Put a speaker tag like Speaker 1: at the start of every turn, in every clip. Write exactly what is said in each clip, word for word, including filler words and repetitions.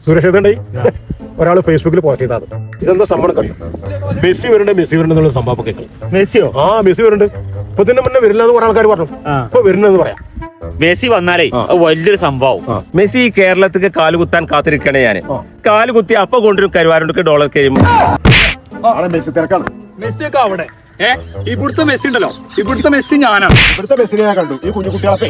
Speaker 1: സുരക്ഷിതണ്ടേ ഒരാൾ ഫേസ്ബുക്കിൽ പോസ്റ്റ് ചെയ്താൽ ഇതെന്താ സംഭവം കഴിയും മെസ്സി വരണ്ടേ മെസ്സി വരണ്ടെന്നുള്ള സംഭവം കേൾക്കണം.
Speaker 2: മെസ്സിയോ?
Speaker 1: ആ മെസ്സി വരുന്നുണ്ട്. ഇപ്പൊ ഇതിന്റെ മുന്നേ വരില്ല എന്ന് കുറെ ആൾക്കാർ പറഞ്ഞു. ഇപ്പൊ വരുന്നെന്ന് പറയാം.
Speaker 2: മെസ്സി വന്നാലേ വലിയൊരു സംഭവം. മെസ്സി കേരളത്തിക്ക് കാലുകുത്താൻ കാത്തിരിക്കണേ ഞാന്. കാലുകുത്തി അപ്പൊ കൊണ്ടുവരും കരുവാരുണ്ട് ഡോളർ കഴിയുമ്പോ
Speaker 1: മെസ്സി തിരക്കാണ്.
Speaker 3: മെസ്സിയൊക്കെ അവിടെ ഏ ഇവിടുത്തെ മെസ്സി ഉണ്ടല്ലോ, ഇവിടുത്തെ മെസ്സി ഞാനാണ്.
Speaker 1: ഇവിടുത്തെ മെസ്സിനെ ഞാൻ കണ്ടു. ഈ കുഞ്ഞു കുട്ടികളൊക്കെ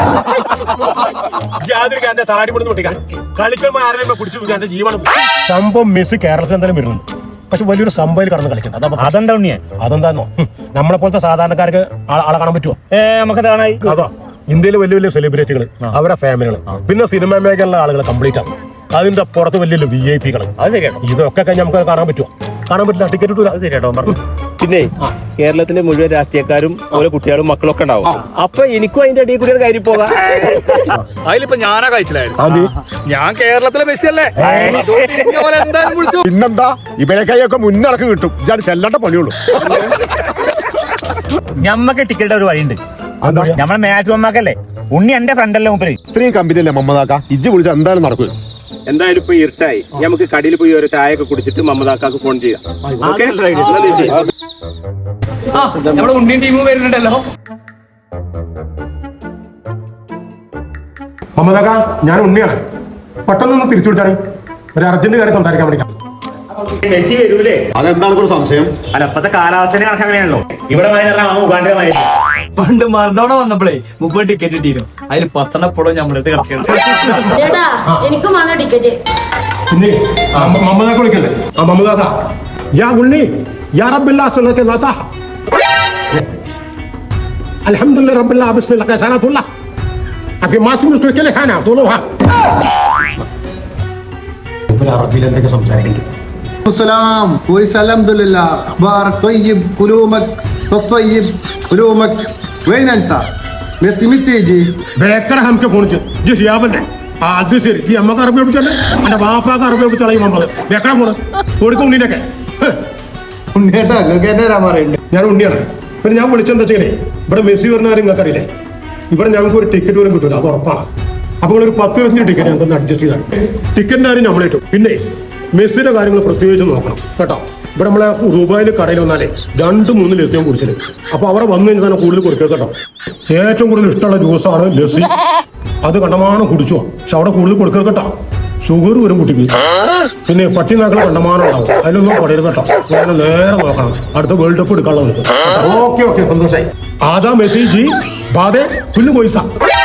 Speaker 1: തലാടി പിടിച്ച് പൊട്ടിക്കാൻ കളിക്കുമ്പോൾ ആരെയും പിടിച്ചു എന്റെ ജീവനം. സംഭവം മെസ്സി കേരളത്തിൽ എന്തായാലും വരുന്നുണ്ട്. പക്ഷെ വലിയൊരു സംഭവം കടന്ന് കളിക്കുന്നത്.
Speaker 2: അതെന്താ ഉണ്ണിയെ?
Speaker 1: അതെന്താന്നോ, നമ്മളെ പോലത്തെ സാധാരണക്കാർക്ക് ആളെ കാണാൻ പറ്റുമോ?
Speaker 2: നമുക്ക്
Speaker 1: അതാ ഇന്ത്യയിലെ വലിയ വലിയ സെലിബ്രിറ്റികൾ, അവരുടെ ഫാമിലികൾ, പിന്നെ സിനിമ മേഖലയിലുള്ള ആളുകൾ കംപ്ലീറ്റ് ആണ്. അതിന്റെ പുറത്ത് വലിയ വലിയ വി ഐ പികൾ. ഇതൊക്കെ കഴിഞ്ഞ് നമുക്ക് കാണാൻ പറ്റുമോ? കാണാൻ പറ്റില്ല. ടിക്കറ്റ് കിട്ടൂല.
Speaker 2: പിന്നെ കേരളത്തിലെ മുഴുവൻ രാഷ്ട്രീയക്കാരും ഓരോ കുട്ടികളും മക്കളൊക്കെ ഉണ്ടാവും. അപ്പൊ എനിക്കും അതിന്റെ അടിയിൽ കൂടി കയറി പോകാം.
Speaker 3: അതിലിപ്പോ ഞാനാ കഴിച്ചില്ലായിരുന്നു. ഞാൻ കേരളത്തിലെ മെസ്സി അല്ലേ, എന്തായാലും വിളിച്ചു.
Speaker 1: പിന്നെന്താ, ഇവരെ കൈയൊക്കെ മുന്നിറക്കി കിട്ടും. ഇതാണ് ചെല്ലണ്ട പണിയുള്ളൂ.
Speaker 2: ഞമ്മക്ക് ടിക്കറ്റ് ഒരു വഴിയുണ്ട്. നമ്മളെ മാച്ച് മമ്മക്കല്ലേ, ഉണ്ണി എന്റെ ഫ്രണ്ടല്ലേ മൂപ്പര്.
Speaker 1: ഇത്രയും കമ്പനിയല്ലേ മമ്മദാക്ക, ഇജ്ജ് വിളിച്ച എന്തായാലും നടക്കും.
Speaker 2: എന്തായാലും ഇപ്പൊ ഇരുട്ടായി, നമുക്ക് കടയിൽ പോയി ഒരു ചായ ഒക്കെ കുടിച്ചിട്ട് മമ്മദാക്കാക്ക് ഫോൺ ചെയ്യാം.
Speaker 3: നമ്മുടെ ഉണ്ണിയും ടീമും വരുന്നുണ്ടല്ലോ.
Speaker 1: മമ്മദാക്ക, ഞാൻ ഉണ്ണിയാണ്. പെട്ടെന്നൊന്ന് തിരിച്ചു വിളിച്ചാണ്, ഒരു അർജന്റ് കാര്യം സംസാരിക്കാൻ വേണ്ടി.
Speaker 2: മെസ്സി വരൂലേ?
Speaker 1: അതെന്താണ് ഒരു സംശയം?
Speaker 2: അല്ല, ഇപ്പത്തെ കാലാവസ്ഥ കണക്ക് അങ്ങനെയാണല്ലോ. ഇവിടെ
Speaker 3: പണ്ട് മറഡോണ വന്നപ്പോഴേ മുപ്പത് ടിക്കറ്റ് കിട്ടിയിരുന്നു. അതിൽ പത്തെണ്ണപ്പോഴും നമ്മളിട്ട് കിടക്കുന്നത്.
Speaker 1: പിന്നെ മമ്മദാക്ക വിളിക്കണ്ടേ? ആ മമ്മദാക്ക, യാ ഉണ്ണി, യാ റബ്ബില്ലാ സുന്നത്തെ നാത്താ, അൽഹംദുലില്ലാഹി റബ്ബില്ലാ ബിസ്മില്ലാഹി കസാനത്തുല്ലാ അഫി മാസിം മുസ്ലിക്കലെ ഖാന തുലുഹാ. അറബിയിൽ എന്തൊക്കെ സംസാരിക്കുന്നു?
Speaker 4: السلام كويس الحمد لله اخبارك طيب كلومك طيب كلومك وين انت ميسي متى يجي
Speaker 1: ബേക്കർ ഹംക്ക് ഫോൺ ചെയ്തു. ജി ഷിയാബല്ലേ? ആ അത് ശരി. ജി അമ്മക്ക് അറബി പഠിച്ചല്ലേ? എന്റെ ബാപ്പാക്ക് അറബി പഠിച്ചളയും നമ്മള്. ബേക്കറ ഫോണ് കൊടുക്കും ഉണ്ണിനൊക്കെ.
Speaker 4: ഉണ്ണിയേട്ടാ നിങ്ങൾക്ക് എന്നാ പറയുന്നത്?
Speaker 1: ഞാൻ ഉണ്ണിയാണ്. പിന്നെ ഞാൻ വിളിച്ചെന്താ ചെയ്യണേ, ഇവിടെ മെസ്സി വരുന്ന കാര്യം നിങ്ങൾക്ക് അറിയില്ലേ? ഇവിടെ ഞങ്ങൾക്ക് ഒരു ടിക്കറ്റ് പോലും കിട്ടൂല, അത് ഉറപ്പാണ്. അപ്പോൾ ഒരു പത്ത് ഇരുപത്തഞ്ച് ടിക്കറ്റ് ഞങ്ങൾക്ക് അഡ്ജസ്റ്റ് ചെയ്താണ്. ടിക്കറ്റിന്റെ കാര്യം നമ്മളേറ്റു. പിന്നെ മെസ്സിയുടെ കാര്യങ്ങൾ പ്രത്യേകിച്ച് നോക്കണം കേട്ടോ. ഇവിടെ നമ്മളെ ദുബായിൽ കടയിൽ വന്നാലേ രണ്ട് മൂന്ന് ലസ്സിയും കുടിച്ചത്. അപ്പൊ അവിടെ വന്നു കഴിഞ്ഞാൽ തന്നെ കൂടുതൽ കൊടുക്കുക കേട്ടോ. ഏറ്റവും കൂടുതൽ ഇഷ്ടമുള്ള ജ്യൂസാണ് ലസ്സി. അത് കണ്ടമാനം കുടിച്ചോ, പക്ഷെ അവിടെ കൂടുതൽ കൊടുക്കരുത് കേട്ടോ. ഷുഗർ വരും കുട്ടിക്ക്. പിന്നെ പട്ടി നാക്കൾ കണ്ടമാനം ഉണ്ടാവും, അതിലൊന്നും പടരുത് കേട്ടോ. ഞാൻ നേരെ നോക്കണം, അടുത്ത വേൾഡ് കപ്പ് എടുക്കാനുള്ളത്. ഓക്കെ ഓക്കെ, സന്തോഷായി. ആദാ മെസ്സി ജി ബാധേ പുല്ല് പോയിസ.